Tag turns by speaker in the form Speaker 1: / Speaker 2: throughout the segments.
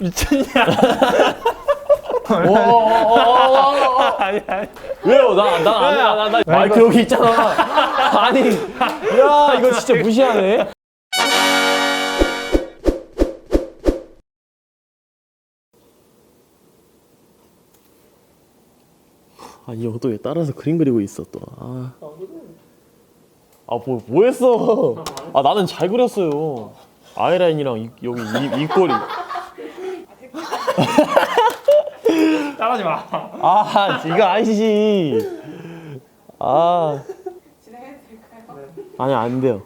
Speaker 1: 미쳤냐? 아니.
Speaker 2: 왜요? 나 마이크 여기 있잖아. 아니, 야 이거 진짜 무시하네. 아, 이 형 또 왜 따라서 그림 그리고 있어 또. 뭐 했어? 아, 나는 잘 그렸어요. 아이라인이랑 여기 입꼬리.
Speaker 1: 따라하지 마.
Speaker 2: 아, 이거 아니지. 아.
Speaker 3: 진행해도 될까요?
Speaker 2: 아니, 안 돼요.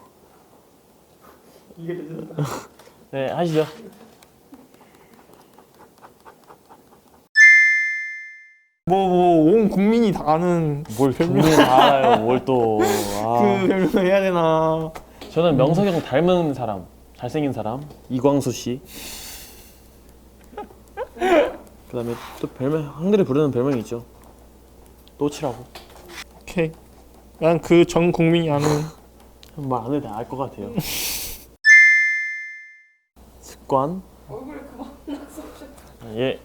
Speaker 1: 이게 되죠.
Speaker 2: 네, 하시죠.
Speaker 1: 온 국민이 다 아는
Speaker 2: 뭘 별명을 다 알아요, 뭘 또. 아.
Speaker 1: 그 별명 해야 되나?
Speaker 2: 저는 명석이 형 닮은 사람, 잘생긴 사람, 이광수 씨. 그다음에 또 별명, 형들이 부르는 별명이 있죠. 또치라고.
Speaker 1: 오케이. 난 그 전 국민이 아는
Speaker 2: 말 안 해도 알 것 같아요. 습관.
Speaker 3: 얼굴 그만 나서
Speaker 2: 예.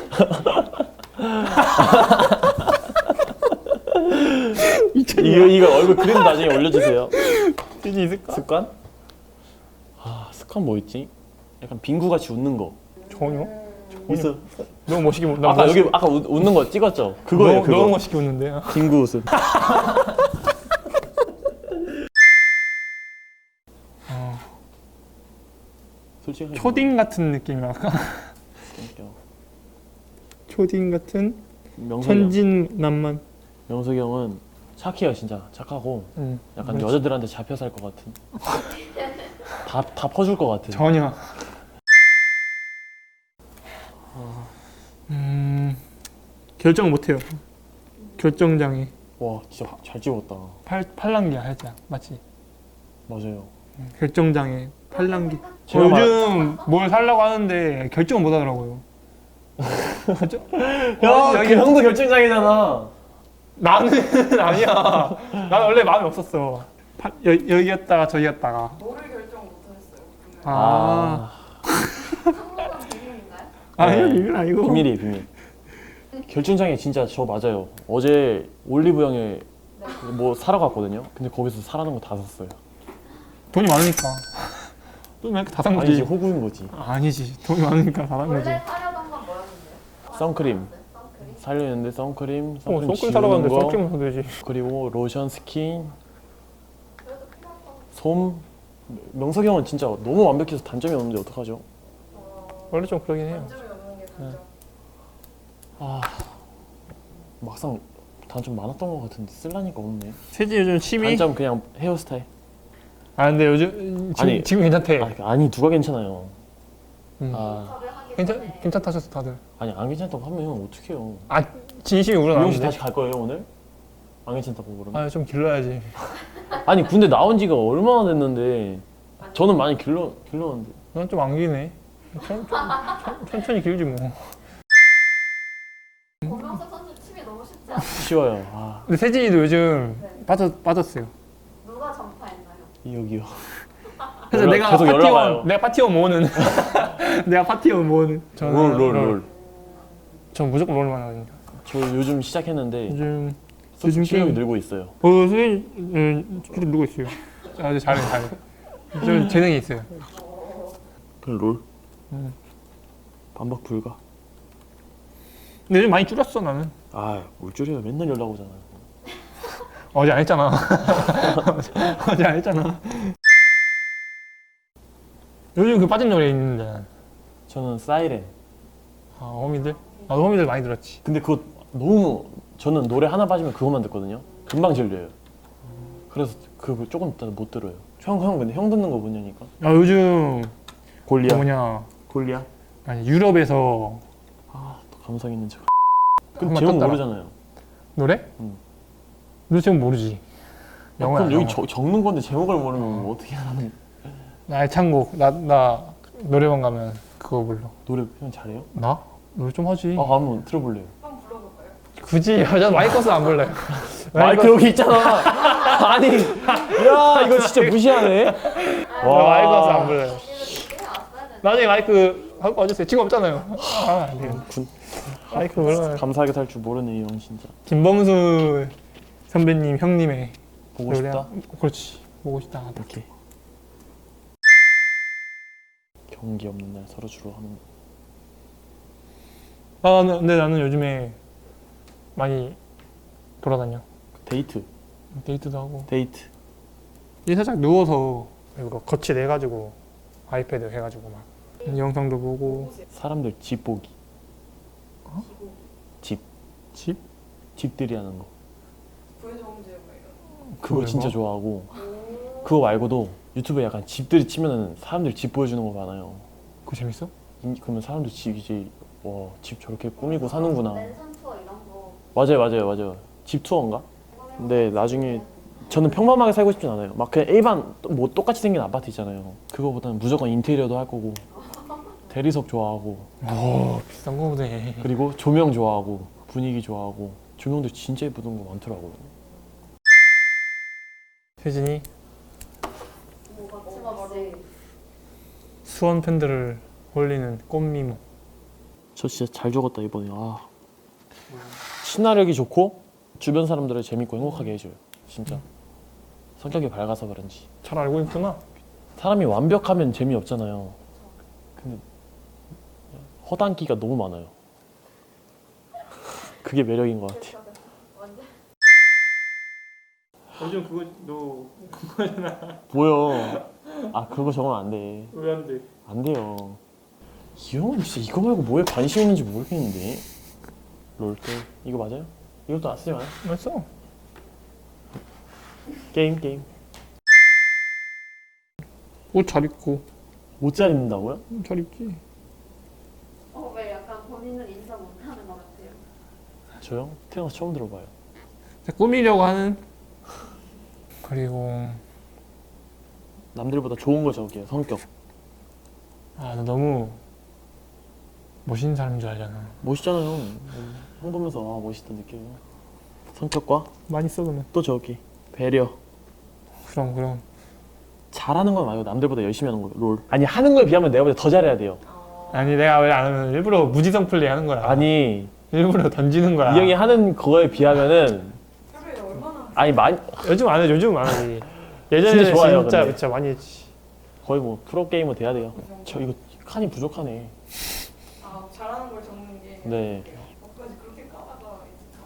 Speaker 2: 이거 얼굴 그림 나중에 올려주세요.
Speaker 1: 뜻이 있을까?
Speaker 2: 습관? 아, 습관 뭐 있지? 약간 빙구 같이 웃는 거.
Speaker 1: 전혀.
Speaker 2: 있어.
Speaker 1: 너무 멋있게 웃. 나
Speaker 2: 아까 여기 아까 웃는 거 찍었죠? 그거예요. 그거.
Speaker 1: 너무 멋있게 웃는데.
Speaker 2: 빙구 웃음. 솔직히
Speaker 1: 초딩 같은 느낌이랄까? 초딩 같은 천진난만.
Speaker 2: 명석이 형은 착해요, 진짜 착하고. 약간
Speaker 1: 그렇지.
Speaker 2: 여자들한테 잡혀 살 것 같은. 다 퍼줄 것 같은.
Speaker 1: 전혀. 결정 못해요. 결정장애.
Speaker 2: 와, 진짜 잘 찍었다.
Speaker 1: 팔랑귀야 살짝 맞지?
Speaker 2: 맞아요.
Speaker 1: 결정장애. 팔랑귀.
Speaker 2: 제가
Speaker 1: 요즘 뭘 살라고 하는데 결정을 못 하더라고요.
Speaker 2: 야, 그 형도 결정장애잖아.
Speaker 1: 나는 아니야. 나는 원래 마음이 없었어. 여기였다가 저기였다가.
Speaker 3: 뭐를 결정 못하셨어요? 분명히.
Speaker 1: 아.
Speaker 3: 상관한 비밀인가요?
Speaker 1: 아니요,
Speaker 2: 네.
Speaker 1: 이건 아니고.
Speaker 2: 비밀이에요, 비밀. 결정장애 진짜 저 맞아요. 어제 올리브영에 뭐 사러 갔거든요. 근데 거기서 사라는 거 다 샀어요.
Speaker 1: 돈이 많으니까. 돈이 많으니까 다 산 거지.
Speaker 2: 아니지, 호구인 거지.
Speaker 1: 아니지. 돈이 많으니까 다 산 거지.
Speaker 3: 원래 사려던 건 뭐였는데요?
Speaker 2: 선크림.
Speaker 3: 선크림?
Speaker 2: 살려는데 선크림
Speaker 1: 선크림
Speaker 2: 지우는
Speaker 1: 사러 갔는데
Speaker 2: 거,
Speaker 1: 선크림 사도 되지.
Speaker 2: 그리고 로션, 스킨,
Speaker 3: 그래도 필요한 건
Speaker 2: 솜. 명석이 형은 진짜 너무 완벽해서 단점이 없는데 어떡하죠?
Speaker 1: 원래 좀 그러긴 해요.
Speaker 3: 단점이 없는 게 단점.
Speaker 2: 아, 막상 단점 많았던 것 같은데 쓸라니까 없네.
Speaker 1: 세지 요즘 취미?
Speaker 2: 단점 그냥 헤어스타일.
Speaker 1: 아 근데 요즘
Speaker 2: 아니,
Speaker 1: 지금 괜찮대.
Speaker 2: 아니 누가 괜찮아요.
Speaker 3: 섭외 하기 전에
Speaker 1: 괜찮다셨어 다들.
Speaker 2: 아니 안 괜찮다고 하면 어떡해요.
Speaker 1: 아 진심이
Speaker 2: 미용실
Speaker 1: 우러나는데.
Speaker 2: 다시 갈 거예요 오늘? 안 괜찮다고 그러면?
Speaker 1: 아좀 길러야지.
Speaker 2: 아니 군대 나온 지가 얼마나 됐는데 저는 많이 길렀는데.
Speaker 1: 난 좀 안 기네. 천천히 길지 뭐.
Speaker 3: 고명석 선수 취미 너무 쉽지 않아요?
Speaker 2: 쉬워요. 아,
Speaker 1: 근데 세진이도 요즘 빠졌어요.
Speaker 3: 누가 전파했나요?
Speaker 2: 여기요.
Speaker 1: 그래서
Speaker 2: 계속 연락 와요.
Speaker 1: 내가 파티원 모으는 내가 파티원 모으는. 저는
Speaker 2: 롤.
Speaker 1: 전 무조건 롤만 하거든요.
Speaker 2: 저 요즘 시작했는데
Speaker 1: 요즘
Speaker 2: 실력이
Speaker 1: 게임
Speaker 2: 늘고 있어요.
Speaker 1: 선생님 계속 누구 있어요? 아주 잘해. 좀 재능이 있어요.
Speaker 2: 그럼 롤? 반박 불가.
Speaker 1: 근데 요즘 많이 줄였어 나는.
Speaker 2: 아, 뭘 줄여요. 맨날 연락 오잖아요.
Speaker 1: 어제 안 했잖아. 어제 안 했잖아. 요즘 그 빠진 노래 있는데.
Speaker 2: 저는 사이렌.
Speaker 1: 아 호미들? 나도 호미들 많이 들었지.
Speaker 2: 근데 그거 너무 저는 노래 하나 빠지면 그것만 듣거든요. 금방 질려요. 그래서 그거 조금 있다 못 들어요. 형 근데 형 듣는 거 뭐냐니까.
Speaker 1: 야 요즘 그
Speaker 2: 골리앗.
Speaker 1: 뭐냐
Speaker 2: 골리앗?
Speaker 1: 아니 유럽에서
Speaker 2: 아, 또 감성 있는 척.
Speaker 1: 한번
Speaker 2: 근데 제목
Speaker 1: 떴더라.
Speaker 2: 모르잖아요.
Speaker 1: 노래?
Speaker 2: 응.
Speaker 1: 너 제목 모르지? 영어야.
Speaker 2: 그럼 여기 적는 건데 제목을 모르면 뭐 어떻게 하는?
Speaker 1: 나 애창곡 나 노래방 가면 그거 불러.
Speaker 2: 노래 형 잘해요?
Speaker 1: 나? 노래 좀 하지.
Speaker 2: 아, 한번 들어볼래요.
Speaker 3: 한번 불러볼까요?
Speaker 1: 굳이 여자 마이크 써서 안 불러요.
Speaker 2: 마이크 여기 있잖아. 아니, 야 이거 진짜 무시하네.
Speaker 1: 마이크 써서 안 불러요.
Speaker 3: 언니는 듣게 해왔어야 되는데.
Speaker 1: 나중에 마이크 하고 와주세요. 지금 없잖아요. 안 돼요. 마이크 올라.
Speaker 2: 감사하게 살 줄 모르네 이 형 진짜.
Speaker 1: 김범수 선배님 형님의
Speaker 2: 보고
Speaker 1: 노래.
Speaker 2: 싶다.
Speaker 1: 그렇지. 보고 싶다.
Speaker 2: 오케이. 경기 없는 날 서로 주로 하는.
Speaker 1: 근데 나는 요즘에 많이 돌아다녀.
Speaker 2: 데이트.
Speaker 1: 데이트도 하고.
Speaker 2: 데이트.
Speaker 1: 이제 살짝 누워서 이거 거치 내가지고 아이패드 해가지고 막 영상도 보고.
Speaker 2: 사람들 집 보기. 집.
Speaker 1: 집?
Speaker 2: 집들이 하는 거.
Speaker 3: 부의정제 뭐 이런.
Speaker 2: 그거
Speaker 1: 그거
Speaker 2: 진짜
Speaker 1: 뭐?
Speaker 2: 좋아하고. 그거 말고도 유튜브에 약간 집들이 치면은 사람들 집 보여주는 거 많아요.
Speaker 1: 그거 재밌어?
Speaker 2: 그러면 사람들 집 이제 와, 집 저렇게 꾸미고 사는구나.
Speaker 3: 랜선 투어 이런 거.
Speaker 2: 맞아요. 집 투어인가? 근데 나중에 저는 평범하게 살고 싶진 않아요. 막 그냥 일반 뭐 똑같이 생긴 아파트 있잖아요. 그거보다는 무조건 인테리어도 할 거고 대리석 좋아하고
Speaker 1: 오 비싼 거 보네.
Speaker 2: 그리고 조명 좋아하고 분위기 좋아하고 조명도 진짜 예쁘던 거 많더라고요.
Speaker 1: 세진이
Speaker 3: 뭐 거침없이.
Speaker 1: 수원 팬들을 홀리는 꽃미모.
Speaker 2: 저 진짜 잘 적었다 이번에. 친화력이 좋고 주변 사람들을 재밌고 행복하게 해줘요. 진짜 성격이 밝아서 그런지.
Speaker 1: 잘 알고 있구나.
Speaker 2: 사람이 완벽하면 재미없잖아요. 근데 허당기가 너무 많아요. 그게 매력인 것 같아.
Speaker 3: 완전.
Speaker 1: 요즘 그거 너
Speaker 2: 뭐요? 그거 적으면 안 돼.
Speaker 1: 왜 안 돼?
Speaker 2: 안 돼요. 이 형은 진짜 이거 말고 뭐에 관심 있는지 모르겠는데. 롤게 이거 맞아요? 이것도 안 쓰지 마요.
Speaker 1: 맞어.
Speaker 2: 게임.
Speaker 1: 옷 잘 입고.
Speaker 2: 옷 잘 입는다고요?
Speaker 1: 잘 입지.
Speaker 3: 왜 약간 본인을 인정 못하는 것 같아요.
Speaker 2: 저요? 태어나서 처음 들어봐요.
Speaker 1: 꾸미려고 하는. 그리고
Speaker 2: 남들보다 좋은 걸 적을게요. 성격.
Speaker 1: 너 너무 멋있는 사람인 줄 알잖아.
Speaker 2: 멋있잖아요. 형 보면서 멋있다 느껴요. 성격과
Speaker 1: 많이 써 그러면.
Speaker 2: 또 적을게. 배려.
Speaker 1: 그럼.
Speaker 2: 잘하는 건 말고 남들보다 열심히 하는 거예요. 롤. 아니 하는 거에 비하면 내가 보다 더 잘해야 돼요.
Speaker 1: 아니 내가 왜 안 하면 일부러 무지성 플레이 하는 거야.
Speaker 2: 아니
Speaker 1: 일부러 던지는 거야.
Speaker 2: 이 형이 하는 거에 비하면은
Speaker 3: 하루에 얼마나.
Speaker 2: 아니 많이
Speaker 1: 요즘 안 해. 요즘 안 하지. 예전에
Speaker 2: 진짜 좋아요,
Speaker 1: 진짜
Speaker 2: 근데.
Speaker 1: 진짜 많이 했지.
Speaker 2: 거의 뭐 프로 게이머 돼야 돼요. 저 이거 칸이 부족하네.
Speaker 3: 잘하는 걸 적는 게.
Speaker 2: 네.
Speaker 3: 뭐까지 그렇게 까다가.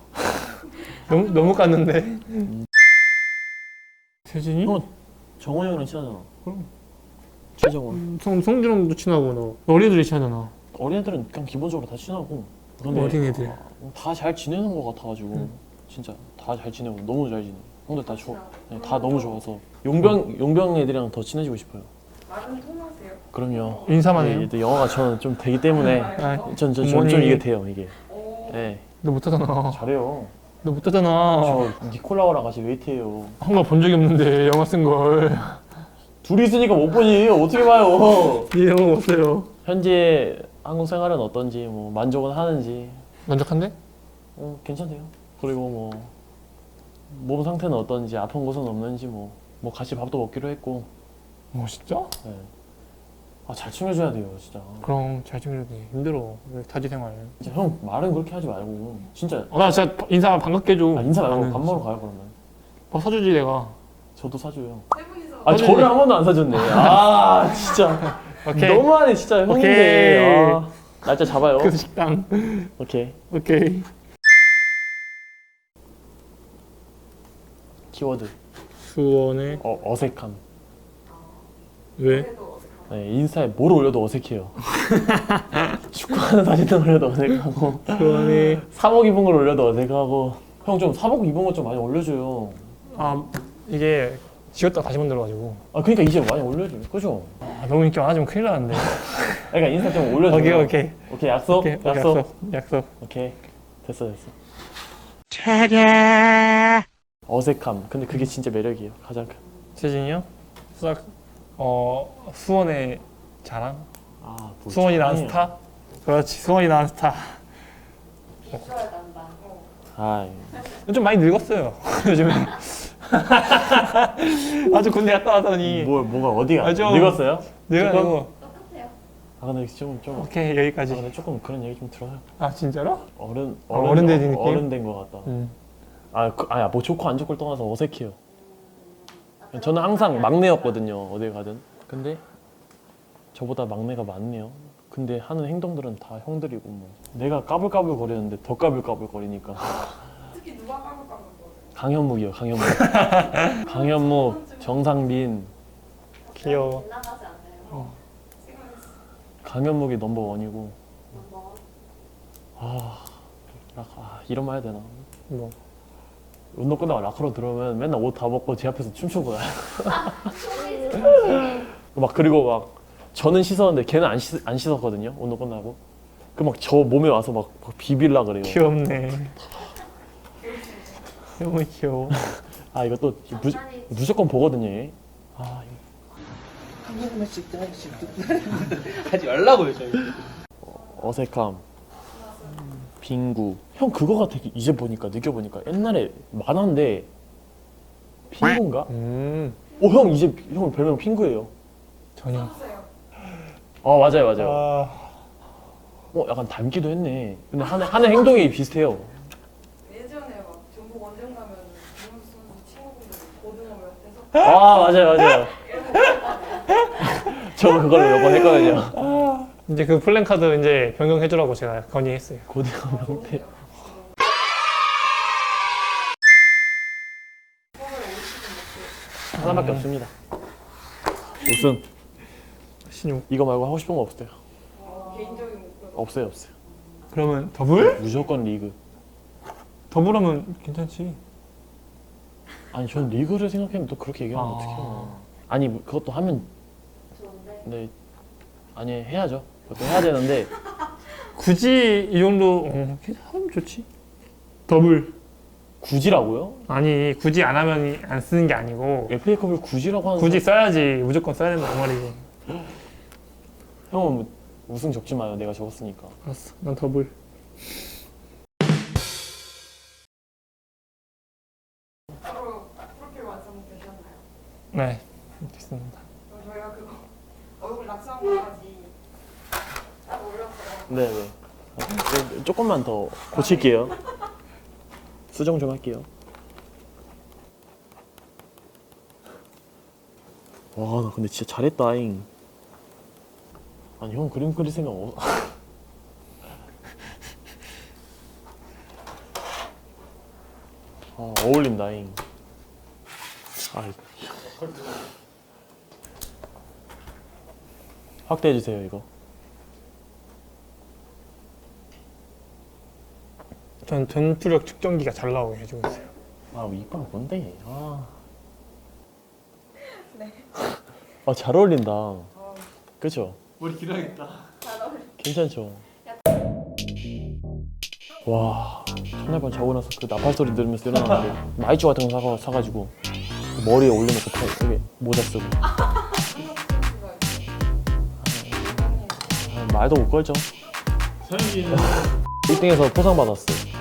Speaker 1: 너무 깠는데. 세진이?
Speaker 2: 정원 형이랑 친하잖아.
Speaker 1: 그럼.
Speaker 2: 최정원.
Speaker 1: 성준형도 친하고 너 어린애들이 친하잖아.
Speaker 2: 어린애들은 그냥 기본적으로 다 친하고. 근데
Speaker 1: 어린애들.
Speaker 2: 다 잘 지내는 것 같아가지고 진짜 다 잘 지내고 너무 잘 지내. 형들 다 좋아. 네, 다 너무 좋아서 용병 애들이랑 더 친해지고 싶어요.
Speaker 3: 말은 통하세요?
Speaker 2: 그럼요.
Speaker 1: 인사만 해요.
Speaker 2: 네, 영어가 저는 좀 되기 때문에 좀
Speaker 1: 부모님.
Speaker 2: 이게 돼요 이게. 네,
Speaker 1: 너 못하잖아.
Speaker 2: 잘해요.
Speaker 1: 너 못하잖아.
Speaker 2: 저 니콜라오랑 같이 웨이트해요.
Speaker 1: 한 번 본 적이 없는데 영화 쓴 걸.
Speaker 2: 둘이 있으니까 못 보지. 어떻게 봐요?
Speaker 1: 이 영화 못 써요.
Speaker 2: 현재 한국 생활은 어떤지 뭐 만족은 하는지
Speaker 1: 만족한데?
Speaker 2: 괜찮대요. 그리고 뭐 몸 상태는 어떤지 아픈 곳은 없는지 뭐 같이 밥도 먹기로 했고.
Speaker 1: 진짜?
Speaker 2: 네. 잘 챙겨줘야 돼요 진짜.
Speaker 1: 그럼 잘 챙겨줘야 돼. 힘들어. 타지 생활.
Speaker 2: 진짜 형 말은 그렇게 하지 말고 진짜.
Speaker 1: 나 진짜 인사 반갑게 해줘.
Speaker 2: 인사 말고
Speaker 1: 나는
Speaker 2: 밥 먹으러 가요 그러면.
Speaker 1: 밥 사주지 내가.
Speaker 2: 저도 사줘요.
Speaker 3: 세 분이서.
Speaker 2: 저를 한 번도 안 사줬네. 진짜.
Speaker 1: 오케이.
Speaker 2: 너무하네 진짜 형인데. 날짜 잡아요.
Speaker 1: 그 식당.
Speaker 2: 오케이. 키워드.
Speaker 1: 수원에
Speaker 2: 어색함.
Speaker 1: 왜?
Speaker 2: 네, 인스타에 뭘 올려도 어색해요. 축구하는 사진을 올려도 어색하고
Speaker 1: 수원에
Speaker 2: 사복 입은 걸 올려도 어색하고. 형 좀 사복 입은 거 좀 많이 올려줘요.
Speaker 1: 이게 지웠다 다시 만들어가지고.
Speaker 2: 그러니까 이제 많이 올려줘요. 그죠?
Speaker 1: 너무 인기 많아지면 큰일 나는데.
Speaker 2: 그러니까 인스타 좀 올려줘요.
Speaker 1: 오케이.
Speaker 2: 오케이 약속?
Speaker 1: 약속.
Speaker 2: 오케이 됐어. 어색함. 근데 그게 진짜 매력이에요. 가장 큰.
Speaker 1: 세진이요? 수원의 자랑?
Speaker 2: 뭐
Speaker 1: 수원이 낳은
Speaker 2: 자랑이에요.
Speaker 1: 스타? 그렇지, 수원이 낳은 스타.
Speaker 3: 비주얼 담당.
Speaker 1: 좀 많이 늙었어요, 요즘에. 아주 군대 갔다 와서니.
Speaker 2: 뭐가 어디가
Speaker 1: 좀
Speaker 2: 늙었어요?
Speaker 1: 내가
Speaker 2: 조금?
Speaker 1: 이거
Speaker 3: 똑같아요.
Speaker 2: 아 근데 좀
Speaker 1: 오케이
Speaker 2: 아,
Speaker 1: 여기까지.
Speaker 2: 근데 조금 그런 얘기 좀 들어요.
Speaker 1: 아 진짜로?
Speaker 2: 어른
Speaker 1: 된 느낌?
Speaker 2: 어른 된 것 같다. 아야 뭐 좋고 안 좋고를 떠나서 어색해요. 저는 항상 막내였거든요 어딜 가든. 근데 저보다 막내가 많네요. 근데 하는 행동들은 다 형들이고 뭐 내가 까불까불 거리는데 더 까불까불 거리니까.
Speaker 3: 특히 누가 까불까불 거려?
Speaker 2: 강현묵이요 강현묵. 강현묵, 정상빈,
Speaker 1: 귀여워.
Speaker 3: 빗나가지 않네요. 지금
Speaker 2: 강현묵이 넘버 원이고.
Speaker 3: 뭐
Speaker 2: 이런 말 해야 되나?
Speaker 1: 뭐
Speaker 2: 운동 끝나고 라커로 들어오면 맨날 옷 다 벗고 제 앞에서 춤추고 나요. 막 그리고 막 저는 씻었는데 걔는 안 씻었거든요. 운동 끝나고. 그 막 저 몸에 와서 막 비빌라 그래요.
Speaker 1: 귀엽네. 너무 귀여워.
Speaker 2: 아 이거 또 무조건 보거든요. 얘. 아 이거
Speaker 4: 한 번씩 하지 말라고요 저희.
Speaker 2: 어색함, 빙구. 형 그거 같아. 이제 보니까 느껴보니까 옛날에 만화인데 빙구인가? 형 이제 형 별명 빙구예요.
Speaker 1: 전혀.
Speaker 2: 맞아요. 약간 닮기도 했네. 근데 하는 행동이 비슷해요.
Speaker 3: 예전에 막 전북 원정 가면 김현수 선수 친구분들 고등어 옆에서
Speaker 2: 맞아요. 저 그걸로 몇 번 했거든요.
Speaker 1: 이제 그 플랜카드 이제 변경해주라고 제가 건의했어요.
Speaker 2: 고등어 명태. 하나밖에 없습니다. 우승.
Speaker 1: 신용.
Speaker 2: 이거 말고 하고 싶은 거 없어요.
Speaker 3: 개인적인 목표.
Speaker 2: 없어요.
Speaker 1: 그러면 더블?
Speaker 2: 무조건 리그.
Speaker 1: 더블하면 괜찮지.
Speaker 2: 아니 전 리그를 생각하면 또 그렇게 얘기하면 어떡해요. 아니 그것도 하면
Speaker 3: 좋은데.
Speaker 2: 네 아니 해야죠. 그것도 해야 되는데
Speaker 1: 굳이 이 정도 하면 좋지. 더블.
Speaker 2: 굳이라고요?
Speaker 1: 아니 굳이 안 하면 안 쓰는 게 아니고
Speaker 2: FA컵을 굳이라고 하는
Speaker 1: 굳이 써야지 무조건 써야 된다 그 말이지.
Speaker 2: 형은 뭐 우승 적지 마요. 내가 적었으니까.
Speaker 1: 알았어. 난 더블.
Speaker 3: 바로 프로필 완성되셨나요?
Speaker 1: 네. 됐습니다.
Speaker 3: 그럼 저희가 그거 얼굴 낙서한 거까지 딱 올렸어요.
Speaker 2: 네네. 조금만 더 고칠게요. 수정 좀 할게요. 와, 나 근데 진짜 잘했다잉. 아니, 형 그림 그릴 생각 어울린다잉. 확대해주세요, 이거.
Speaker 1: 전 전투력 측정기가 잘 나오게 해주고 있어요.
Speaker 2: 이빨 뭔데? 네. 잘 어울린다. 그쵸?
Speaker 4: 머리 길어야겠다.
Speaker 2: 괜찮죠? 와, 첫날 밤 자고 나서 그 나팔 소리 들으면서 일어났는데 마이쮸 같은 거 사가지고 머리에 올려놓고 되게 모자 쓰고 말도 못 걸죠.
Speaker 4: 서영이는
Speaker 2: 1등에서 포상 받았어요.